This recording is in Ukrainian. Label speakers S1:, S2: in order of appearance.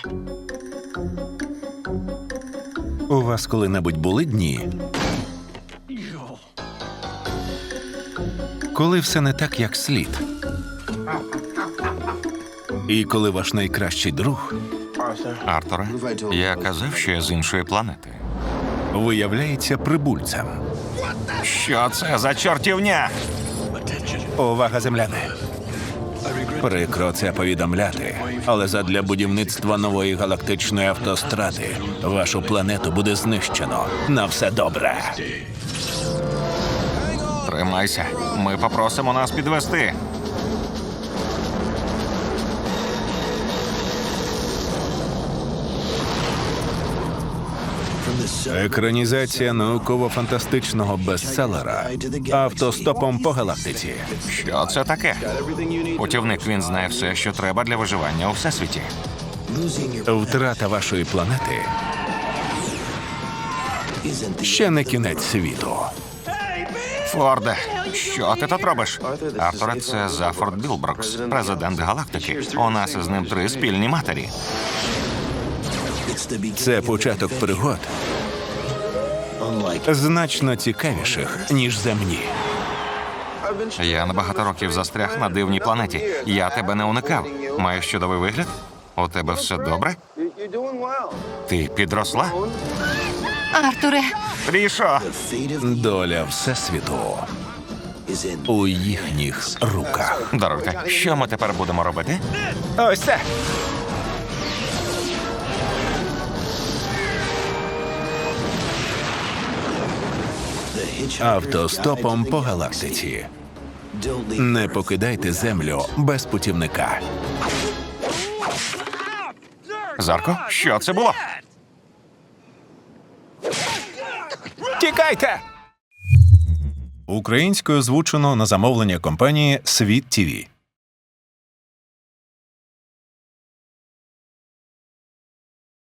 S1: У вас коли-небудь були дні, коли все не так, як слід? І коли ваш найкращий друг
S2: Артуре, я казав, що я з іншої планети.
S1: виявляється прибульцем.
S2: Що це за чортівня?
S1: Увага, земляни! Прикро це повідомляти, але задля будівництва нової галактичної автостради вашу планету буде знищено. На все добре.
S2: Тримайся, ми попросимо нас підвести.
S1: Екранізація науково-фантастичного бестселера «Автостопом по галактиці».
S2: Що це таке? Путівник, він знає все, що треба для виживання у всесвіті.
S1: Втрата вашої планети ще не кінець світу.
S2: Форде, що ти тут робиш? Артуре, це Зафорд Білбрукс, президент галактики. У нас із ним 3 спільні матері.
S1: Це початок пригод значно цікавіших, ніж земні.
S2: Я на багато років застряг на дивній планеті. Я тебе не уникав. Маєш чудовий вигляд? У тебе все добре? Ти підросла?
S3: Артуре,
S2: Трішо!
S1: Доля Всесвіту у їхніх руках.
S2: Дорогка, що ми тепер будемо робити?
S1: Ось це! Автостопом по галактиці. Не покидайте землю без путівника.
S2: Зарко, що це було?
S1: Тікайте! Українською озвучено на замовлення компанії «Світ ТІВІ».